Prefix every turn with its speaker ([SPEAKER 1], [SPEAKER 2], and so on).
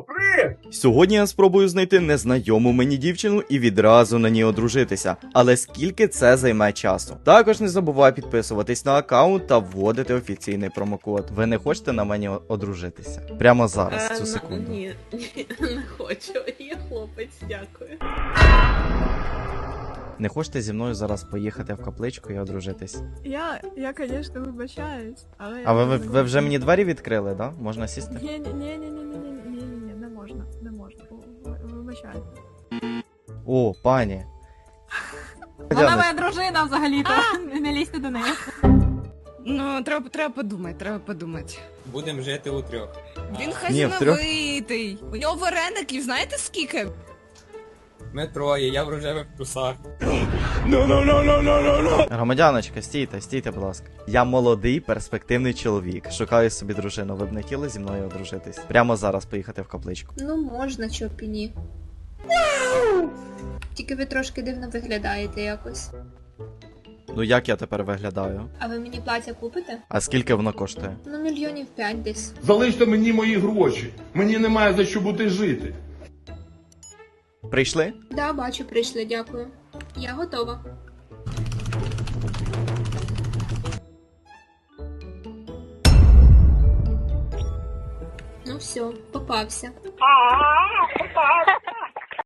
[SPEAKER 1] Сьогодні я спробую знайти незнайому мені дівчину і відразу на ній одружитися. Але скільки це займе часу? Також не забувай підписуватись на аккаунт та вводити офіційний промокод. Ви не хочете на мені одружитися? Прямо зараз, цю секунду.
[SPEAKER 2] Ні, не хочу. Я хлопець, дякую.
[SPEAKER 1] Не хочете зі мною зараз поїхати в капличку і одружитись?
[SPEAKER 3] Я, звісно, вибачаюсь, але...
[SPEAKER 1] А ви вже мені двері відкрили, да? Можна сісти?
[SPEAKER 3] Ні, не можна, вибачаюсь.
[SPEAKER 1] О, пані.
[SPEAKER 3] Вона моя дружина взагалі-то, не лізьте до неї.
[SPEAKER 4] Ну, треба подумати.
[SPEAKER 5] Будемо жити у трьох.
[SPEAKER 4] Він
[SPEAKER 1] Ні, в трьох.
[SPEAKER 4] хазяйновитий. У нього вареників, знаєте скільки?
[SPEAKER 5] Ми троє, я в рожевих трусах.
[SPEAKER 1] Громадяночка, стійте, будь ласка. Я молодий, перспективний чоловік. Шукаю собі дружину. Ви б не хотіли зі мною одружитись? Прямо зараз поїхати в капличку.
[SPEAKER 6] Ну, можна, чого б і ні. Тільки ви трошки дивно виглядаєте якось.
[SPEAKER 1] Ну як я тепер виглядаю?
[SPEAKER 6] А ви мені плаття купите?
[SPEAKER 1] А скільки воно коштує?
[SPEAKER 6] Ну, 5 мільйонів десь.
[SPEAKER 7] Залиште мені мої гроші. Мені немає за що бути жити.
[SPEAKER 1] Прийшли?
[SPEAKER 6] Да, бачу, прийшли, дякую. Я готова. Ну все, попався.